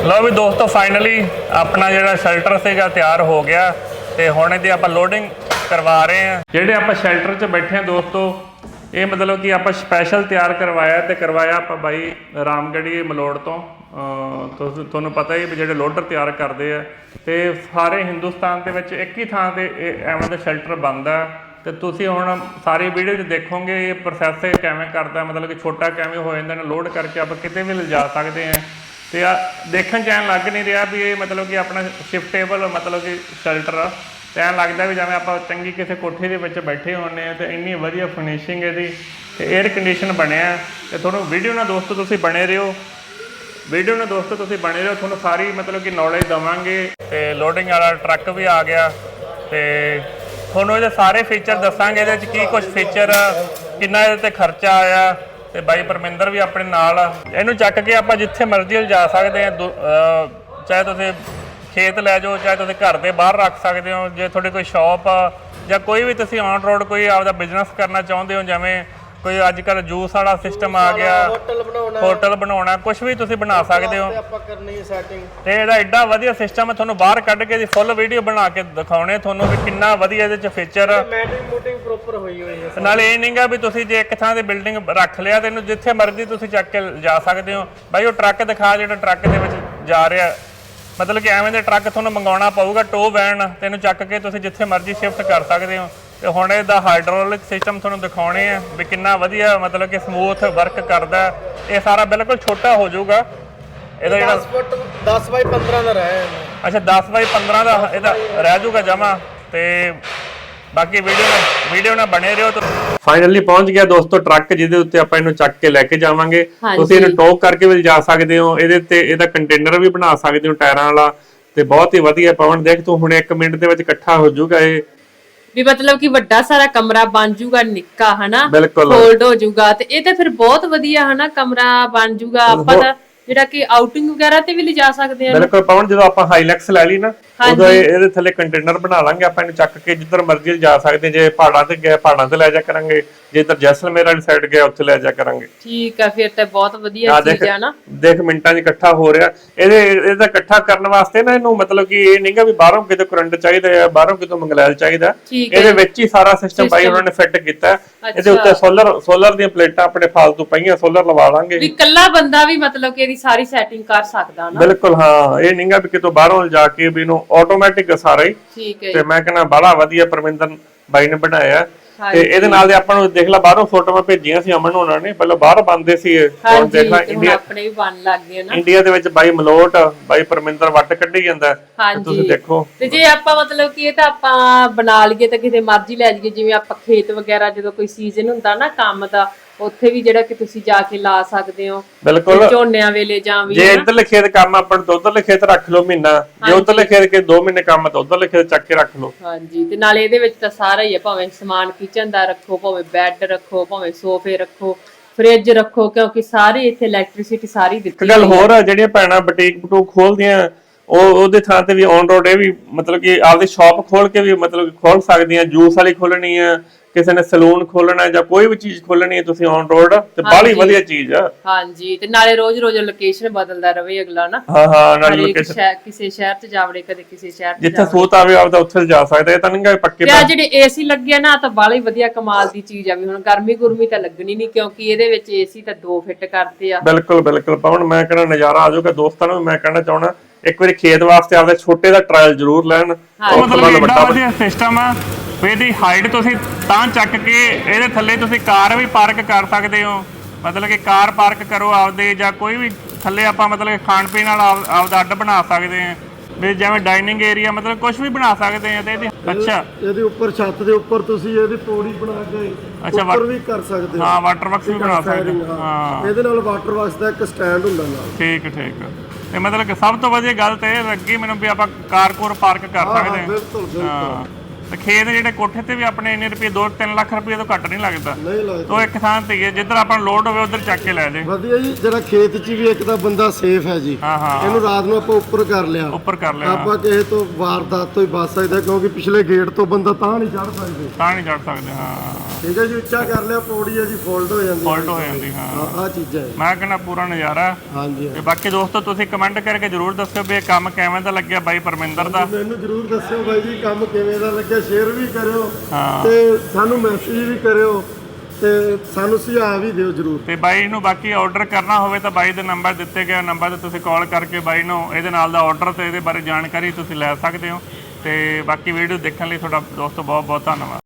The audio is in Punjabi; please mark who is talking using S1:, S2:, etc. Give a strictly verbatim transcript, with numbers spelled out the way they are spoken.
S1: लो भी दोस्तों फाइनली अपना जो शेल्टर से तैयार हो गया तो हुण इहदी आपां लोडिंग करवा रहे हैं। जिहड़े आपां शेल्टर च बैठे हैं दोस्तों, ये मतलब कि आपां स्पैशल तैयार करवाया तो करवाया आपां बाई रामगढ़ी मलोड़ तो तुहानूं पता ही भी जिहड़े लोडर तैयार करते हैं तो सारे हिंदुस्तान के विच एक ही थां ते एवें दा शेल्टर बनदा। तो तुसीं हुण सारी वीडियो च देखोगे ये प्रोसैस किवें करदा, मतलब कि छोटा किवें हो जांदा, लोड करके आपां किते भी लिजा सकते हैं। तो आ देखण च ऐं लग नहीं रहा भी ये मतलब कि अपना शिफ्टेबल मतलब कि शेल्टर आ, तो ऐं लगदा भी जिवें आपां चंगी किसी कोठी दे विच बैठे होने। तो इन्नी वधिया फिनिशिंग इहदी ते एयर कंडीशन बनिया। तो तुहानूं वीडियो नाल दोस्तों तुसीं बने रहिओ, वीडियो नाल दोस्तों तुसीं बने रहिओ, तुहानूं सारी मतलब कि नॉलेज देवांगे। तो लोडिंग वाला ट्रक भी आ गया तो तुहानूं इहदे सारे फीचर दसांगे, इहदे च की कुछ फीचर किन्ना इहदे ते खर्चा आया। तो बाई परमिंदर भी अपने नाल आ, इहनूं चक के आपां जिथे मर्जी लिजा सकते हैं। चाहे तुसीं खेत लै जाओ, चाहे तुसीं घर दे बाहर रख सकते हो। जे तुहाडी कोई शॉप आ जां कोई भी तुसीं ऑन रोड कोई आपदा बिजनेस करना चाहुंदे हो, जिवें कोई अजकल जूस वाला सिस्टम आ गया,
S2: होटल बनाउणा
S1: होटल बनाउणा, कुछ भी तुसीं बना सकते हो।
S2: आपां करनी सैटिंग
S1: ते इहदा एड्डा वधिया सिस्टम है, तुहानूं बाहर कढ के फुल वीडियो बना के दिखाउणे तुहानूं भी किन्ना वधिया इहदे च फीचर।
S2: मैटिंग मूटिंग प्रॉपर होई होई है।
S1: नाले ये नहीं गा भी तुसीं जे एक थां ते बिल्डिंग रख लिया तो इहनूं जिथे मर्जी तुसीं चक के जा सकते हो। भाई वो ट्रक दिखा जिहड़ा ट्रक दे विच जा रहा, मतलब कि एवें दे ट्रक तुहानूं मंगाउणा पऊगा टो वैन, ते इहनूं चक के तुसीं जिथे मर्जी शिफ्ट कर सकते हो। तो हुण इहदा हाइड्रोलिक सिस्टम तुहानूं दिखाउणे आ भी किन्ना वधिया मतलब कि समूथ वर्क करदा। ये सारा बिल्कुल छोटा हो जाऊगा। ਇਹਦਾ ਜਿਹੜਾ
S2: दस फुट दस बाई पंद्रह ਦਾ ਰਹਿ ਜਾਂਦਾ।
S1: ਅੱਛਾ दस ਬਾਈ पंद्रह ਦਾ ਇਹਦਾ ਰਹਿ ਜਾਊਗਾ ਜਮਾ। ਤੇ ਬਾਕੀ ਵੀਡੀਓ ਨਾਲ ਵੀਡੀਓ ਨਾਲ ਬਣੇ ਰਹੋ। तो ਫਾਈਨਲੀ ਪਹੁੰਚ ਗਿਆ ਦੋਸਤੋ ਟਰੱਕ, ਜਿਹਦੇ ਉੱਤੇ ਆਪਾਂ ਇਹਨੂੰ ਚੱਕ ਕੇ ਲੈ ਕੇ ਜਾਵਾਂਗੇ। ਤੁਸੀਂ ਇਹਨੂੰ ਟੋਕ ਕਰਕੇ ਵੀ ਜਾ ਸਕਦੇ ਹੋ, ਇਹਦੇ ਤੇ ਇਹਦਾ ਕੰਟੇਨਰ ਵੀ ਬਣਾ ਸਕਦੇ ਹੋ ਟਾਇਰਾਂ ਵਾਲਾ। ਤੇ ਬਹੁਤ ਹੀ ਵਧੀਆ ਪਵਨ, ਦੇਖ ਤੂੰ ਹੁਣ ਇੱਕ ਮਿੰਟ ਦੇ ਵਿੱਚ ਇਕੱਠਾ ਹੋ ਜਾਊਗਾ ਇਹ
S3: ਵੀ मतलब कि ਵੱਡਾ ਸਾਰਾ ਕਮਰਾ ਬਣ ਜੂਗਾ, ਨਿੱਕਾ ਹਨਾ
S1: ਬਿਲਕੁਲ
S3: ਫੋਲਡ ਹੋ ਜੂਗਾ। ਤੇ ਇਹ ਤਾਂ ਫਿਰ ਬਹੁਤ ਵਧੀਆ ਹਨਾ ਕਮਰਾ ਬਣ ਜੂਗਾ। ਆਪਾਂ ਤਾਂ ਜਿਹੜਾ ਕਿ ਆਊਟਿੰਗ ਵਗੈਰਾ ਤੇ ਵੀ ਲਿਜਾ ਸਕਦੇ ਆ।
S1: ਬਿਲਕੁਲ ਪਵਨ, ਜਦੋਂ ਆਪਾਂ ਹਾਈਲੈਕਸ ਲੈ ਲਈ ਨਾ ਉਦੋਂ ਇਹਦੇ ਥੱਲੇ ਕੰਟੇਨਰ ਬਣਾ ਲਾਂਗੇ ਆਪਾਂ, ਇਹਨੂੰ ਚੱਕ ਕੇ ਜਿੱਧਰ ਮਰਜ਼ੀ ਜਾ ਸਕਦੇ। ਜੇ ਪਹਾੜਾਂ ਤੇ ਗਏ ਪਹਾੜਾਂ ਤੇ ਲੈ ਜਾ ਕਰਾਂਗੇ, ਜੇ ਇੱਧਰ ਜੈਸਲਮੇਰ ਵਾਲੀ ਸਾਈਡ ਗਏ ਉੱਥੇ ਲੈ ਜਾ ਕਰਾਂਗੇ।
S3: ਠੀਕ ਆ, ਫਿਰ ਤਾਂ ਬਹੁਤ ਵਧੀਆ ਚੀਜ਼ ਆ ਨਾ।
S1: ਦੇਖ ਮਿੰਟਾਂ 'ਚ ਇਕੱਠਾ ਹੋ ਰਿਹਾ। ਇਹਦੇ ਇਹਦਾ ਇਕੱਠਾ ਕਰਨ ਵਾਸਤੇ ਨਾ ਇਹਨੂੰ ਮਤਲਬ ਕਿ ਇਹ ਨਹੀਂਗਾ ਵੀ ਬਾਹਰੋਂ ਕਿਤੇ ਕਰੰਟ ਚਾਹੀਦਾ ਹੈ, ਬਾਹਰੋਂ ਕਿਤੋਂ ਮੰਗਲੈਲ ਚਾਹੀਦਾ। ਇਹਦੇ ਵਿੱਚ ਹੀ ਸਾਰਾ ਸਿਸਟਮ ਬਾਈ ਉਹਨਾਂ ਨੇ ਫਿੱਟ ਕੀਤਾ। ਇਹਦੇ ਉੱਤੇ ਸੋਲਰ ਸੋਲਰ ਦੀਆਂ ਪਲੇਟਾਂ ਆਪਣੇ ਫਾਲਤੂ ਪਈਆਂ, ਸੋਲਰ ਲਵਾ ਲਾਂਗੇ
S3: ਵੀ ਇਕੱਲਾ ਬੰਦਾ ਵੀ ਮਤਲਬ ਕਿ ਇਹਦੀ ਸਾਰੀ ਸੈਟਿੰਗ ਕਰ ਸਕਦਾ ਨਾ।
S1: ਬਿਲਕੁਲ ਹਾਂ, ਇਹ ਨਹੀਂਗਾ ਵੀ ਕਿਤੋਂ ਬਾਹਰੋਂ ਜਾ ਕੇ ਵੀ ਇਹਨੂੰ ਆਟੋਮੈਟਿਕ ਸਾਰਾ ਹੀ।
S3: ਠੀਕ ਹੈ।
S1: ਤੇ ਮੈਂ ਕਹਿੰਦਾ ਬੜਾ ਵਧੀਆ ਪਰਮਿੰਦਰ ਬਾਈ ਨੇ ਬਣਾਇਆ। ਤੇ ਇਹਦੇ ਨਾਲ ਦੇ ਆਪਾਂ ਨੂੰ ਦੇਖ ਲਾ ਬਾਹਰੋਂ ਫੋਟੋਆਂ ਭੇਜੀਆਂ ਸੀ ਅਮਨ ਹੋਣਾ ਨੇ, ਪਹਿਲਾਂ ਬਾਹਰ ਬੰਦੇ ਸੀ। ਹੁਣ ਦੇਖ ਲਾ ਇੰਡੀਆ
S3: ਆਪਣੇ ਵੀ ਬਣ ਲੱਗ ਗਏ ਨਾ।
S1: ਇੰਡੀਆ ਦੇ ਵਿੱਚ ਬਾਈ ਮਲੋਟ ਬਾਈ ਪਰਮਿੰਦਰ ਵੱਟ ਕੱਢੀ ਜਾਂਦਾ। ਤੁਸੀਂ ਦੇਖੋ
S3: ਤੇ ਜੇ ਆਪਾਂ ਮਤਲਬ ਕਿ ਇਹ ਤਾਂ ਆਪਾਂ ਬਣਾ ਲਈਏ ਤਾਂ ਕਿਤੇ ਮਰਜ਼ੀ ਲੈ ਜਾਈਏ, ਜਿਵੇਂ ਆਪਾਂ ਖੇਤ ਵਗੈਰਾ ਜਦੋਂ ਕੋਈ ਸੀਜ਼ਨ ਹੁੰਦਾ ਨਾ ਕੰਮ ਦਾ, ਉੱਥੇ ਵੀ ਜਿਹੜਾ ਕਿ ਤੁਸੀਂ ਜਾ ਕੇ ਲਾ ਸਕਦੇ ਹੋ।
S1: ਬਿਲਕੁਲ
S3: ਝੋਨਿਆਂ ਵੇਲੇ ਜਾਂ ਵੀ
S1: ਜੇ ਇੱਧਰਲੇ ਖੇਤ ਕੰਮ ਆਪਾਂ ਨੂੰ ਉਧਰਲੇ ਖੇਤ ਰੱਖ ਲਓ ਮਹੀਨਾ, ਜੇ ਉਧਰਲੇ ਖੇਤ ਕੇ ਦੋ ਮਹੀਨੇ ਕੰਮ ਤਾਂ ਉਧਰਲੇ ਖੇਤ ਚੱਕ ਕੇ ਰੱਖ ਲਓ।
S3: ਹਾਂਜੀ, ਤੇ ਨਾਲੇ ਇਹਦੇ ਵਿੱਚ ਤਾਂ ਸਾਰਾ ਹੀ ਹੈ, ਭਾਵੇਂ ਸਮਾਨ ਕਿਚਨ ਦਾ ਰੱਖੋ, ਭਾਵੇਂ ਬੈੱਡ ਰੱਖੋ, ਭਾਵੇਂ ਸੋਫੇ ਰੱਖੋ, ਫ੍ਰਿਜ ਰੱਖੋ, ਕਿਉਂਕਿ ਸਾਰੀ ਇੱਥੇ ਇਲੈਕਟ੍ਰਿਸਿਟੀ ਸਾਰੀ ਦਿੱਤੀ।
S1: ਇੱਕ ਗੱਲ ਹੋਰ ਆ, ਜਿਹੜੀਆਂ ਭੈਣਾਂ ਬੁਟੀਕ ਬਟੂਕ ਖੋਲਦੀਆਂ ਉਹ ਉਹਦੇ ਥਾਂ ਤੇ ਵੀ ਔਨ ਰੋਡ ਇਹ ਵੀ ਮਤਲਬ ਕਿ ਆਪਦੀ ਸ਼ਾਪ ਖੋਲ ਕੇ ਵੀ ਮਤਲਬ ਖੋਲ ਸਕਦੀਆਂ। ਜੂਸ ਵਾਲੀ ਖੋਲਣੀ ਆ, ਕਿਸੇ ਨੇ ਸਲੂਨ ਖੋਲਣਾ ਜਾਂ ਕੋਈ ਵੀ ਚੀਜ਼ ਖੋਲਣੀ ਹੈ ਤੁਸੀਂ ਔਨ ਰੋਡ, ਤੇ ਬਾਹਲੀ ਵਧੀਆ ਚੀਜ਼ ਆ। ਹਾਂਜੀ,
S3: ਤੇ ਨਾਲੇ ਰੋਜ਼ ਰੋਜ਼ ਲੋਕੇਸ਼ਨ ਬਦਲਦਾ ਰਵੇ ਅਗਲਾ ਨਾ।
S1: ਹਾਂ ਹਾਂ, ਨਾਲੇ ਲੋਕੇਸ਼ਨ
S3: ਕਿਸੇ ਸ਼ਹਿਰ ਤੇ ਜਾਵੜੇ, ਕਦੇ ਕਿਸੇ ਸ਼ਹਿਰ ਤੇ
S1: ਜਿੱਥੇ ਸੂਤ ਆਵੇ ਆਪਦਾ ਉੱਥੇ ਜਾ ਸਕਦਾ। ਇਹ ਤਾਂ ਨਹੀਂ ਪੱਕੇ।
S3: ਤੇ ਆ ਜਿਹੜੇ ਏਸੀ ਲੱਗੇ ਨਾ ਤਾਂ ਬਾਹਲੀ ਵਧੀਆ ਕਮਾਲ ਦੀ ਚੀਜ਼ ਆ। ਵੀ ਹੁਣ ਗਰਮੀ ਗੁਰਮੀ ਤਾਂ ਲੱਗਣੀ ਨਹੀਂ, ਕਿਉਂਕਿ ਇਹਦੇ ਵਿੱਚ ਏਸੀ ਤਾਂ ਦੋ ਫਿੱਟ ਕਰਦੇ ਆ।
S1: ਬਿਲਕੁਲ ਬਿਲਕੁਲ ਪਵਨ, ਮੈਂ ਕਹਿੰਦਾ ਨਜ਼ਾਰਾ ਆ ਜਾਊਗਾ। ਦੋਸਤਾਂ ਨੂੰ ਮੈਂ ਕਹਿਣਾ ਚਾਹਣਾ ਇੱਕ ਵਾਰੀ ਖੇਤ ਵਾਸਤੇ ਆਪਦੇ ਛੋਟੇ ਦਾ ਟ੍ਰਾਇਲ ਜ਼ਰੂਰ ਲੈਣ। ਮਤਲਬ ਵੱਡਾ ਵਧੀਆ ਸਿਸਟਮ ਆ। ਇਹਦੀ ਹਾਈਟ ਤੁਸੀਂ ਤਾਂ ਚੱਕ ਕੇ ਇਹਦੇ ਥੱਲੇ ਤੁਸੀਂ ਕਾਰ ਵੀ ਪਾਰਕ ਕਰ ਸਕਦੇ ਹੋ। ਮਤਲਬ ਕਿ ਕਾਰ ਪਾਰਕ ਕਰੋ ਆਪਦੇ, ਜਾਂ ਕੋਈ ਵੀ ਥੱਲੇ ਆਪਾਂ ਮਤਲਬ ਖਾਣ ਪੀਣ ਵਾਲਾ ਆਪਦਾ ਅੱਡ ਬਣਾ ਸਕਦੇ ਹਾਂ, ਵੀ ਜਿਵੇਂ ਡਾਈਨਿੰਗ ਏਰੀਆ ਮਤਲਬ ਕੁਝ ਵੀ ਬਣਾ ਸਕਦੇ ਆ। ਤੇ ਇਹਦੀ ਅੱਛਾ
S2: ਇਹਦੇ ਉੱਪਰ ਛੱਤ ਦੇ ਉੱਪਰ ਤੁਸੀਂ ਇਹਦੀ ਪੌੜੀ ਬਣਾ ਕੇ ਉੱਪਰ ਵੀ ਕਰ ਸਕਦੇ ਹੋ।
S1: ਹਾਂ, ਵਾਟਰ ਬਾਕਸ ਵੀ ਬਣਾ ਸਕਦੇ ਹਾਂ।
S2: ਇਹਦੇ ਨਾਲ ਵਾਟਰ ਬਾਕਸ ਦਾ ਇੱਕ ਸਟੈਂਡ ਹੁੰਦਾ ਨਾਲ।
S1: ਠੀਕ ਠੀਕ। ਤੇ ਮਤਲਬ ਕਿ ਸਭ ਤੋਂ ਵਧੀਆ ਗੱਲ ਤੇ ਇਹ ਲੱਗੀ ਮੈਨੂੰ ਵੀ ਆਪਾਂ ਕਾਰ ਕੋਰ ਪਾਰਕ ਕਰ ਸਕਦੇ ਹਾਂ।
S2: ਬਿਲਕੁਲ ਬਿਲਕੁਲ।
S1: ਤੇ ਖੇਤ ਜਿਹੜੇ ਕੋਠੇ ਤੇ ਵੀ ਆਪਣੇ ਇੰਨੇ ਰੁਪਏ ਦੋ ਤਿੰਨ ਲੱਖ ਰੁਪਏ ਤੋਂ ਘੱਟ ਨਹੀਂ ਲੱਗਦਾ।
S2: ਨਹੀਂ ਲੱਗਦਾ।
S1: ਤੋ ਇੱਕ ਥਾਂ ਤੇ ਹੀ ਹੈ, ਜਿੱਧਰ ਆਪਾਂ ਨੂੰ ਲੋਡ ਹੋਵੇ ਉਧਰ ਚੱਕ ਕੇ ਲੈ ਜੇ।
S2: ਵਧੀਆ ਜੀ, ਜਿਹੜਾ ਖੇਤ 'ਚ ਵੀ ਇੱਕ ਤਾਂ ਬੰਦਾ ਸੇਫ ਹੈ ਜੀ।
S1: ਹਾਂ ਹਾਂ
S2: ਇਹਨੂੰ ਰਾਤ ਨੂੰ ਆਪਾਂ ਉੱਪਰ ਕਰ ਲਿਆ,
S1: ਉੱਪਰ ਕਰ ਲਿਆ,
S2: ਆਪਾਂ ਕਿਸੇ ਤੋਂ ਵਾਰਦਾਤ ਤੋਂ ਹੀ ਬਚ ਸਕਦਾ, ਕਿਉਂਕਿ ਪਿਛਲੇ ਗੇਟ ਤੋਂ ਬੰਦਾ ਤਾਂ ਨਹੀਂ ਚੜ ਸਕਦੇ।
S1: ਤਾਂ ਨਹੀਂ ਚੜ ਸਕਦੇ। ਹਾਂ
S2: ਠੀਕ ਹੈ ਜੀ, ਉੱਚਾ ਕਰ ਲਿਆ, ਪੌੜੀ ਹੈ ਜੀ ਫੋਲਡ ਹੋ ਜਾਂਦੀ।
S1: ਫੋਲਟ ਹੋ ਜਾਂਦੀ। ਹਾਂ
S2: ਆਹ ਚੀਜ਼ਾਂ ਹੈ।
S1: ਮੈਂ ਕਹਿੰਦਾ ਪੂਰਾ ਨਜ਼ਾਰਾ।
S2: ਹਾਂਜੀ
S1: ਤੇ ਬਾਕੀ ਦੋਸਤੋ ਤੁਸੀਂ ਕਮੈਂਟ ਕਰਕੇ ਜਰੂਰ ਦੱਸਿਓ ਵੀ ਇਹ ਕੰਮ ਕਿਵੇਂ ਦਾ ਲੱਗਿਆ ਬਾਈ ਪਰਮਿੰਦਰ ਦਾ।
S2: ਮੈਨੂੰ ਜਰੂਰ ਦੱਸਿਓ ਬਾਈ ਜੀ ਕੰਮ ਕਿਵੇਂ ਦਾ ਲੱਗਿਆ, ਸ਼ੇਅਰ ਵੀ ਕਰਿਓ
S1: ਹਾਂ
S2: ਤੇ ਸਾਨੂੰ ਮੈਸੇਜ ਵੀ ਕਰਿਓ ਤੇ ਸਾਨੂੰ ਸੁਝਾਅ ਵੀ ਦਿਓ ਜਰੂਰ।
S1: ਤੇ ਬਾਈ ਨੂੰ ਬਾਕੀ ਆਰਡਰ ਕਰਨਾ ਹੋਵੇ ਤਾਂ ਬਾਈ ਦੇ ਨੰਬਰ ਦਿੱਤੇ ਗਏ ਨੰਬਰ ਤੇ ਤੁਸੀਂ ਕਾਲ ਕਰਕੇ ਬਾਈ ਨੂੰ ਇਹਦੇ ਨਾਲ ਦਾ ਆਰਡਰ ਤੇ ਇਹਦੇ ਬਾਰੇ ਜਾਣਕਾਰੀ ਤੁਸੀਂ ਲੈ ਸਕਦੇ ਹੋ। ਤੇ ਬਾਕੀ ਵੀਡੀਓ ਦੇਖਣ ਲਈ ਤੁਹਾਡਾ ਦੋਸਤੋ ਬਹੁਤ ਬਹੁਤ ਧੰਨਵਾਦ।